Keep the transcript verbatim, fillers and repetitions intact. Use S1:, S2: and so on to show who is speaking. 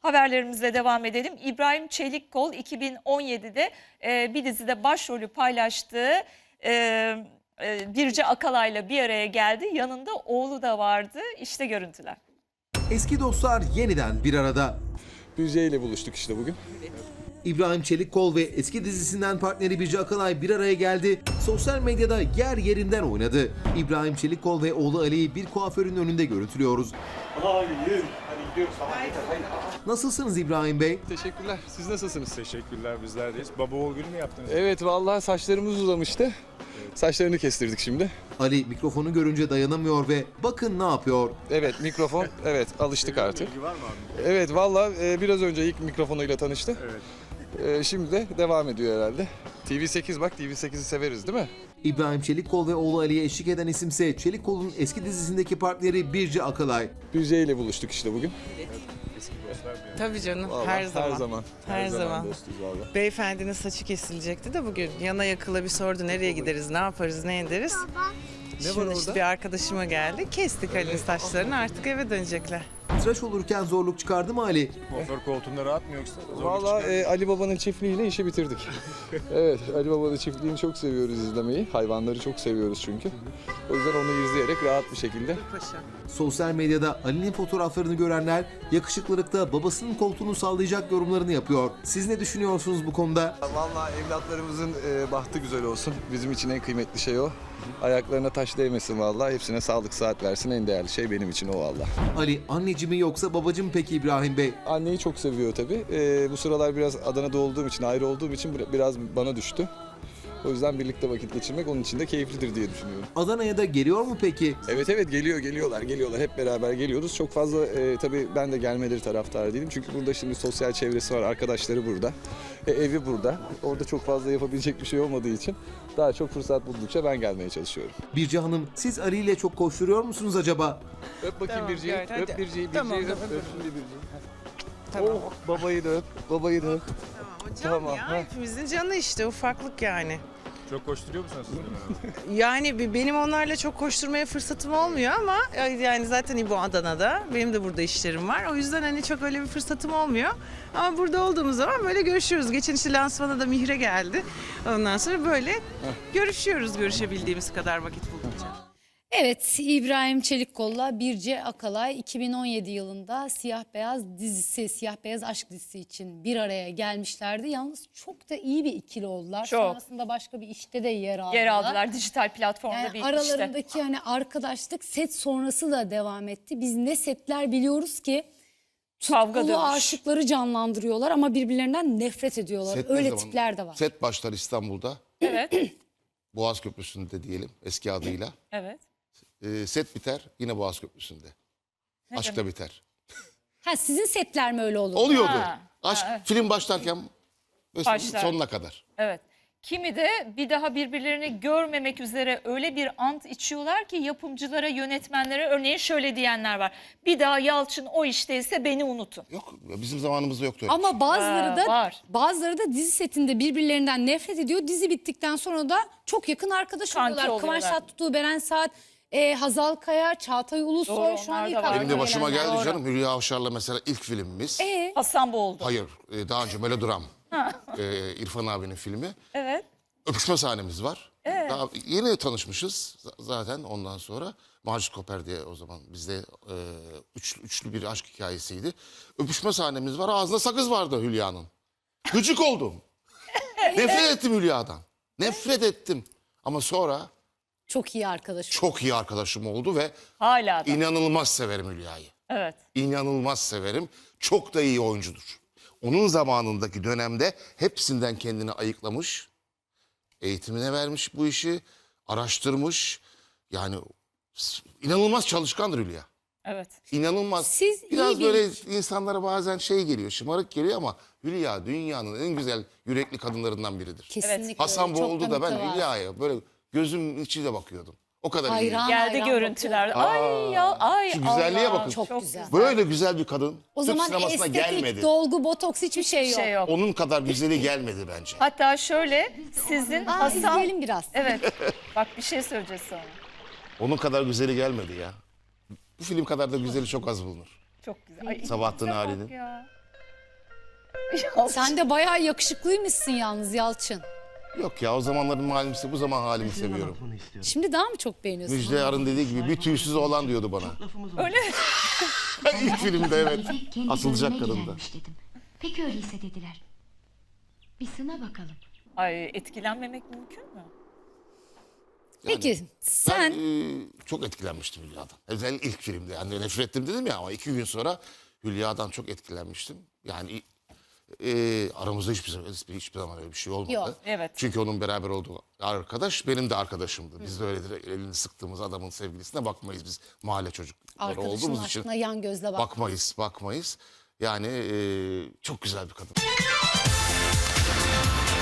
S1: Haberlerimizle devam edelim. İbrahim Çelikkol iki bin on yedide e, bir dizide başrolü paylaştığı e, e, Birce Akalay'la bir araya geldi. Yanında oğlu da vardı. İşte görüntüler.
S2: Eski dostlar yeniden bir arada.
S3: Birce ile buluştuk işte bugün.
S2: İbrahim Çelikkol ve eski dizisinden partneri Birce Akalay bir araya geldi. Sosyal medyada yer yerinden oynadı. İbrahim Çelikkol ve oğlu Ali'yi bir kuaförün önünde görüntülüyoruz.
S4: Hayır. Hadi gidiyoruz. Hayır.
S2: Nasılsınız İbrahim Bey?
S3: Teşekkürler. Siz nasılsınız?
S4: Teşekkürler, bizlerdeyiz. Baba oğul günü mü yaptınız?
S3: Evet, vallahi saçlarımız uzamıştı. Saçlarını kestirdik şimdi.
S2: Ali mikrofonu görünce dayanamıyor ve bakın ne yapıyor.
S3: Evet, mikrofon. Evet, alıştık artık.
S4: İlgi var mı abi?
S3: Evet, vallahi e, biraz önce ilk mikrofonuyla tanıştı.
S4: Evet.
S3: E, şimdi de devam ediyor herhalde. T V sekiz bak, T V sekizi severiz değil mi?
S2: İbrahim Çelikkol ve oğlu Ali'ye eşlik eden isimse Çelikkol'un eski dizisindeki partneri Birce Akalay.
S3: Birce ile buluştuk işte bugün.
S4: Eski dostlar bir.
S5: Tabii canım,
S3: Vallahi
S5: her zaman.
S3: Her zaman.
S5: Her zaman.
S3: dostuz vallahi.
S5: Beyefendinin saçı kesilecekti de bugün yana yakıla bir sordu nereye gideriz, ne yaparız, ne ederiz.
S3: Ne var
S5: Şimdi
S3: orada?
S5: işte bir arkadaşıma geldi, kestik Ali'nin saçlarını, artık eve dönecekler.
S2: Tıraş olurken zorluk çıkardı mı Ali?
S4: Kuaför koltuğunda rahat mı yoksa? zorluk
S3: Vallahi
S4: çıkar mı?
S3: e, Ali Baba'nın çiftliğiyle işi bitirdik. Evet, Ali Baba'nın çiftliğini çok seviyoruz izlemeyi. Hayvanları çok seviyoruz çünkü. O yüzden onu izleyerek rahat bir şekilde.
S5: Paşa.
S2: Sosyal medyada Ali'nin fotoğraflarını görenler yakışıklılıkta babasının koltuğunu sallayacak yorumlarını yapıyor. Siz ne düşünüyorsunuz bu konuda?
S3: Vallahi evlatlarımızın e, bahtı güzel olsun. Bizim için en kıymetli şey o. Ayaklarına taş değmesin vallahi. Hepsine sağlık sıhhat versin. En değerli şey benim için o vallahi.
S2: Ali anneci mi yoksa babacı mı peki İbrahim Bey?
S3: Anneyi çok seviyor tabii. E, bu sıralar biraz Adana'da olduğum için, ayrı olduğum için bir- biraz bana düştü. O yüzden birlikte vakit geçirmek onun için de keyiflidir diye düşünüyorum.
S2: Adana'ya da geliyor mu peki?
S3: Evet evet geliyor geliyorlar geliyorlar hep beraber geliyoruz. Çok fazla e, tabii ben de gelmeleri taraftarı değilim. Çünkü burada şimdi sosyal çevresi var, arkadaşları burada. E, evi burada. Orada çok fazla yapabilecek bir şey olmadığı için daha çok fırsat buldukça ben gelmeye çalışıyorum.
S2: Birce Hanım siz Ali ile çok koşturuyor musunuz acaba?
S3: Öp bakayım
S5: Tamam,
S3: Birce'yi.
S5: gayet, hadi.
S3: Öp Birce'yi.
S5: Tamam,
S3: Birce'yi öp.
S5: tamam,
S3: Öp şimdi Birce'yi.
S5: Tamam.
S3: Oh, babayı da öp. Babayı da öp.
S5: Tamam, o can
S3: Tamam,
S5: ya,
S3: ha.
S5: hepimizin canı işte, ufaklık yani.
S4: Çok koşturuyor musunuz siz de?
S5: Yani bi- benim onlarla çok koşturmaya fırsatım olmuyor ama e, yani zaten İbo Adana'da, benim de burada işlerim var. O yüzden hani çok öyle bir fırsatım olmuyor. Ama burada olduğumuz zaman böyle görüşüyoruz. Geçen işte lansmana da Mihre geldi. Ondan sonra böyle görüşüyoruz görüşebildiğimiz kadar vakit buldukça.
S6: Evet, İbrahim Çelikkol'la Birce Akalay iki bin on yedi yılında Siyah Beyaz dizisi, Siyah Beyaz Aşk dizisi için bir araya gelmişlerdi. Yalnız çok da iyi bir ikili oldular.
S1: Çok.
S6: Sonrasında başka bir işte de yer aldılar.
S1: Yer aldılar dijital platformda
S6: Yani
S1: bir işte.
S6: aralarındaki hani arkadaşlık set sonrası da devam etti. Biz ne setler biliyoruz ki
S1: Kavga
S6: tutkulu
S1: dövüş.
S6: aşıkları canlandırıyorlar ama birbirlerinden nefret ediyorlar.
S7: Set ne
S6: Öyle
S7: zaman?
S6: tipler de var.
S7: Set başlar İstanbul'da.
S1: Evet,
S7: Boğaz Köprüsü'nde diyelim eski adıyla.
S1: evet.
S7: Ee, set biter yine Boğaz Köprüsü'nde.
S1: Ne
S7: Aşk da biter.
S6: Ha, sizin setler mi öyle olur?
S7: Oluyordu.
S1: Ha,
S7: Aşk
S1: ha, evet.
S7: film başlarken ve
S1: Başlar.
S7: sonuna kadar.
S1: Evet. Kimi de bir daha birbirlerini görmemek üzere öyle bir ant içiyorlar ki yapımcılara, yönetmenlere örneğin şöyle diyenler var. Bir daha Yalçın o işteyse beni unutun.
S7: Yok bizim zamanımızda yoktu öyle.
S6: Ama bazıları
S1: Ha,
S6: da
S1: var.
S6: bazıları da dizi setinde birbirlerinden nefret ediyor. Dizi bittikten sonra da çok yakın arkadaş
S1: Kanki
S6: oluyorlar. Kıvanç
S1: oluyorlar.
S6: Tatlıtuğ, Beren Saat, e, Hazal Kaya, Çağatay Ulusoy
S1: Doğru,
S6: şu an
S1: onlar
S6: ilk
S1: da var.
S7: Benim de
S6: aklıma
S7: başıma
S6: gelenler.
S7: geldi canım. Hülya Avşar'la mesela ilk filmimiz.
S6: E,
S1: Hasan Boğuldu.
S7: Hayır e, daha önce Melodram. e, İrfan abinin filmi.
S1: Evet.
S7: Öpüşme sahnemiz var. Daha yeni tanışmışız z- zaten ondan sonra. Macit Koper diye o zaman bizde e, üç, üçlü bir aşk hikayesiydi. Öpüşme sahnemiz var. Ağzında sakız vardı Hülya'nın. Gıcık oldum. Nefret ettim Hülya'dan. Nefret ettim. Ama sonra
S6: çok iyi arkadaş.
S7: çok iyi arkadaşım oldu ve
S1: Hala da.
S7: inanılmaz severim Hülya'yı.
S1: Evet.
S7: İnanılmaz severim. Çok da iyi oyuncudur. Onun zamanındaki dönemde hepsinden kendini ayıklamış. Eğitimine vermiş bu işi. Araştırmış. Yani s- inanılmaz çalışkandır Hülya.
S1: Evet.
S7: İnanılmaz.
S6: Siz iyi
S7: Biraz
S6: bir-
S7: böyle insanlara bazen şey geliyor, şımarık geliyor ama Hülya dünyanın en güzel yürekli kadınlarından biridir.
S6: Kesinlikle.
S7: Hasan
S6: öyle. Çok
S7: Boğuldu da ben
S6: kanıtı var.
S7: Hülya'ya böyle gözümün içiyle bakıyordum. O kadar iyi.
S6: Hayran.
S1: Geldi
S6: hayran
S1: görüntüler.
S7: bakıyorum.
S1: Ay ya ay.
S7: Şu güzelliğe
S1: Allah,
S7: bakın.
S6: Çok güzel.
S7: Böyle güzel bir kadın
S6: O
S7: Türk
S6: zaman
S7: sinemasına
S6: estetik,
S7: gelmedi.
S6: dolgu, botoks hiçbir şey
S1: Bir
S6: yok.
S1: şey yok.
S7: Onun kadar güzeli gelmedi bence.
S1: Hatta şöyle sizin
S6: Aa,
S1: Hasan...
S6: izleyelim biraz.
S1: Evet. Bak bir şey söyleyeceğiz sonra.
S7: Onun kadar güzeli gelmedi ya. Bu film kadar da güzeli çok az bulunur.
S1: Çok güzel. Ay,
S7: Sabahattin
S1: ikinize bak
S7: Ali'nin.
S1: ya.
S6: Sen de bayağı yakışıklıymışsın yalnız Yalçın.
S7: Yok ya, o zamanların halimi, bu zaman halimi seviyorum.
S6: Şimdi daha mı çok beğeniyorsun?
S7: Müjde Yarın dediği gibi bir tüysüz oğlan diyordu bana.
S1: Öyle mi?
S7: İlk filmde evet.
S8: Kendi
S7: Asılacak
S8: bölüme
S7: kadında.
S8: gidermiş dedim. Peki öyleyse dediler. Bir sına bakalım.
S1: Ay, etkilenmemek mümkün mü?
S6: Peki
S7: Ben
S6: sen
S7: e, çok etkilenmiştim Hülya'dan. Özellikle ilk filmde. Yani nefret ettim dedim ya, ama iki gün sonra Hülya'dan çok etkilenmiştim. Yani e, aramızda hiçbir zaman, hiçbir zaman öyle bir şey olmadı.
S6: Yok,
S1: evet.
S7: Çünkü onun beraber olduğu arkadaş benim de arkadaşımdı. Biz de öyledir, elini sıktığımız adamın sevgilisine bakmayız biz. Mahalle çocukları
S6: arkadaşının
S7: olduğumuz için
S6: aşkına yan gözle bak.
S7: bakmayız, bakmayız. Yani e, çok güzel bir kadın.